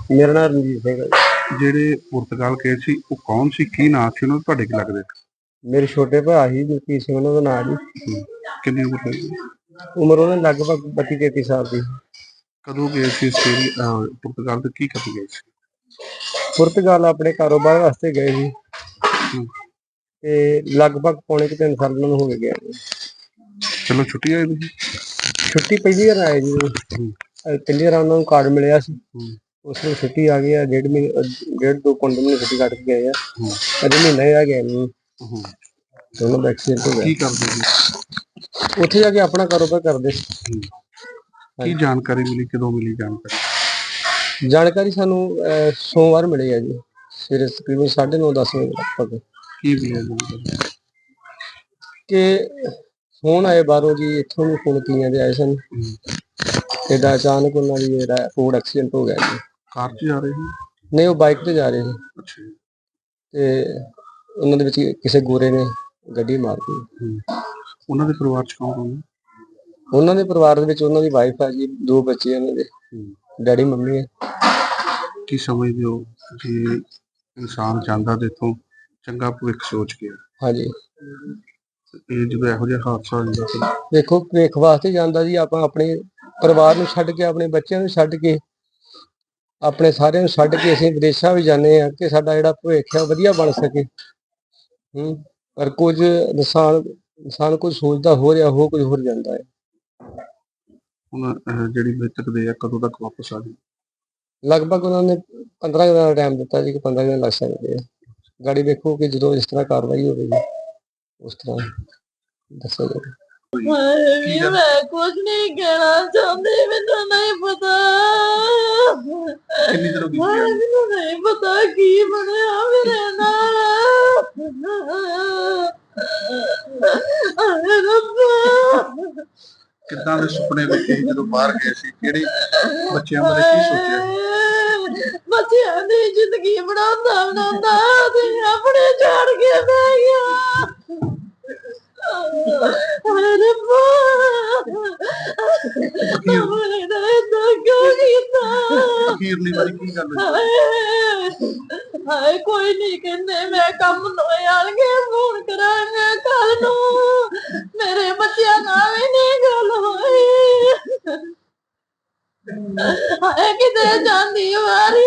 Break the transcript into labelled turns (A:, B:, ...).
A: ਮੇਰਾ ਨਾਮ ਰਣਜੀਤ ਸਿੰਘ ਹੈ ਜੀ।
B: ਜਿਹੜੇ ਪੁਰਤਗਾਲ ਗਏ ਸੀ ਉਹ ਕੌਣ ਸੀ, ਕੀ ਨਾਂ ਸੀ ਉਹਨਾਂ ਦਾ, ਤੁਹਾਡੇ ਕੀ ਲੱਗਦੇ?
A: ਮੇਰੇ ਛੋਟੇ ਭਰਾ ਸੀ ਜਗਜੀਤ ਸਿੰਘ ਉਹਨਾਂ ਦਾ ਨਾਂ ਜੀ।
B: ਕਿੰਨੀ ਉਮਰ ਹੋਈ?
A: ਉਮਰ ਉਹਨਾਂ ਦੀ ਲਗਭਗ 32-33 ਸਾਲ ਦੀ।
B: ਕਦੋਂ ਗਏ ਸੀ ਆਸਟ੍ਰੇਲੀਆ ਪੁਰਤਗਾਲ ਤੇ ਕੀ ਕਰਨ ਗਏ ਸੀ?
A: ਪੁਰਤਗਾਲ ਆਪਣੇ ਕਾਰੋਬਾਰ ਵਾਸਤੇ ਗਏ ਸੀ
B: ਹਮ,
A: ਤੇ ਲਗਭਗ ਪੌਣੇ 3 ਸਾਲ ਉਹਨਾਂ ਨੂੰ ਹੋ ਗਏ ਨੇ।
B: ਚਲੋ ਛੁੱਟੀ ਆਏ ਤੁਸੀਂ?
A: ਛੁੱਟੀ ਪਹਿਲੀ ਵਾਰ ਆਏ ਜੀ। ਪਹਿਲੀ ਵਾਰ ਉਹਨਾਂ ਨੂੰ ਕਾਰਡ ਮਿਲਿਆ ਸੀ, ਉਸ ਨੂੰ ਛੁੱਟੀ ਆ ਗਈ ਆ। 1.5 ਮਹੀਨੇ 1.5-2 ਮਹੀਨੇ ਛੁੱਟੀ ਕੱਟ ਕੇ ਗਏ ਆ। ਅਜੇ ਮਹੀਨਾ ਹੀ ਆ ਗਿਆ ਨਹੀਂ। ਦੋਨੋਂ ਦਾ ਐਕਸੀਡੈਂਟ ਹੋ
B: ਕੀ
A: ਗਿਆ।
B: ਕਰਦੇ ਸੀ
A: ਉੱਥੇ ਜਾ ਕੇ ਆਪਣਾ ਕਾਰੋਬਾਰ ਕਰਦੇ।
B: ਕੀ ਜਾਣਕਾਰੀ ਮਿਲੀ, ਕਦੋਂ ਮਿਲੀ ਜਾਣਕਾਰੀ?
A: ਜਾਣਕਾਰੀ ਸਾਨੂੰ ਸੋਮਵਾਰ ਮਿਲੀ ਹੈ ਜੀ, ਸਵੇਰੇ ਤਕਰੀਬਨ 9:30-10 ਵਜੇ ਲਗਭਗ।
B: ਕੀ ਮਿਲਿਆ ਜਾਣਕਾਰੀ?
A: ਕਿ ਫੋਨ ਆਏ ਬਾਹਰੋਂ ਜੀ, ਇੱਥੋਂ ਵੀ ਫੋਨ ਕੀਆਂ ਦੇ ਆਏ ਸਨ। ਏਦਾਂ ਅਚਾਨਕ ਉਹਨਾਂ ਦੀ ਜਿਹੜਾ ਰੋਡ ਐਕਸੀਡੈਂਟ ਹੋ ਗਿਆ ਜੀ।
B: ਕਾਰ 'ਚ ਜਾ ਰਹੇ ਸੀ?
A: ਨਹੀਂ, ਉਹ ਬਾਈਕ ਤੇ ਜਾ ਰਹੇ ਸੀ
B: ਅੱਛਾ ਜੀ।
A: ਤੇ ਉਹਨਾਂ ਦੇ ਵਿੱਚ ਕਿਸੇ ਗੋਰੇ ਨੇ ਗੱਡੀ ਮਾਰਤੀ।
B: ਉਹਨਾਂ ਦੇ ਪਰਿਵਾਰ 'ਚ ਕੌਣ ਕੌਣ?
A: ਉਹਨਾਂ ਦੇ ਪਰਿਵਾਰ ਦੇ ਵਿੱਚ ਉਹਨਾਂ ਦੀ ਵਾਈਫ ਹੈ ਜੀ, 2 ਬੱਚੇ ਉਹਨਾਂ ਦੇ, ਡੈਡੀ ਮੰਮੀ ਹੈ।
B: ਕੀ ਸਮਝਦੇ ਹੋ ਜੇ ਇਨਸਾਨ ਜਾਂਦਾ ਤੇ ਇੱਥੋਂ ਚੰਗਾ ਭਵਿੱਖ ਸੋਚ ਕੇ,
A: ਹਾਂਜੀ,
B: ਇਹ ਜਦੋਂ ਇਹੋ ਜਿਹਾ ਹਾਦਸਾ ਹੋ ਜਾਂਦਾ ਫਿਰ?
A: ਦੇਖੋ ਭਵਿੱਖ ਵਾਸਤੇ ਜਾਂਦਾ ਜੀ। ਆਪਾਂ ਆਪਣੇ ਪਰਿਵਾਰ ਨੂੰ ਛੱਡ ਕੇ, ਆਪਣੇ ਬੱਚਿਆਂ ਨੂੰ ਛੱਡ ਕੇ, ਆਪਣੇ ਸਾਰਿਆਂ ਨੂੰ ਛੱਡ ਕੇ ਅਸੀਂ ਵਿਦੇਸ਼ਾਂ ਵੀ ਜਾਂਦੇ ਹਾਂ ਕਿ ਸਾਡਾ ਜਿਹੜਾ ਭਵਿੱਖ ਹੈ ਵਧੀਆ ਬਣ ਸਕੇ। ਪਰ ਕੁਝ ਇਨਸਾਨ ਕੁਝ ਸੋਚਦਾ ਹੋ ਰਿਹਾ, ਹੋ ਕੁਝ ਹੋਰ ਜਾਂਦਾ ਹੈ।
B: ਹੁਣ ਜਿਹੜੀ ਮ੍ਰਿਤਕ ਦੇ ਆ ਕਦੋਂ ਤੱਕ ਵਾਪਸ ਆ ਜਾਊ?
A: ਲਗਭਗ ਉਹਨਾਂ ਨੇ 15 ਦਿਨਾਂ ਦਾ ਟਾਈਮ ਦਿੱਤਾ ਜੀ, ਕਿ 15 ਦਿਨ ਲੱਗ ਸਕਦੇ ਆ। ਗਾੜੀ ਵੇਖੋ ਕਿ ਜਦੋਂ ਇਸ ਤਰ੍ਹਾਂ ਕਾਰਵਾਈ ਹੋਵੇਗੀ ਉਸ ਤਰ੍ਹਾਂ ਦੱਸਿਆ ਜਾਵੇ।
C: ਮੈਂ ਕੁਝ ਨਹੀਂ ਕਹਿਣਾ ਚਾਹੁੰਦੀ, ਮੈਨੂੰ ਨਹੀਂ ਪਤਾ। ਮੈਨੂੰ ਨਹੀਂ ਪਤਾ ਕੀ ਬਣਿਆ ਮੇਰੇ ਨਾਲ।
B: ਕਿੱਦਾਂ ਦੇ ਸੁਪਨੇ ਵੇਖੇ ਜਦੋਂ ਬਾਹਰ ਗਏ ਸੀ? ਕਿਹੜੇ ਬੱਚਿਆਂ ਬਾਰੇ ਕੀ ਸੋਚਿਆ?
C: ਬੱਚਿਆਂ ਦੀ ਜ਼ਿੰਦਗੀ ਬਣਾਉਂਦਾ ਤੇ ਆਪਣੇ ਛੱਡ ਕੇ ਬਹਿ ਗਿਆ। ਹਾਏ ਰੱਬਾ,
B: ਅਖੀਰਲੀ ਵਾਰੀ ਕੀ ਗੱਲ ਹੋਈ?
C: ਹਾਏ ਕੋਈ ਨਹੀਂ ਕਹਿੰਦੇ, ਮੈਂ ਕੰਮ ਲੋਏ ਆਣਗੇ ਫੋਨ ਕਰਾਂਗੇ ਕੱਲ ਨੂੰ। ਮੇਰੇ ਬੱਚਿਆਂ ਨਾਲ ਵੀ ਨਹੀਂ ਗੱਲ ਹੋਈ। ਹਾਏ ਕਿਤੇ ਜਾਂਦੀ ਵਾਰੀ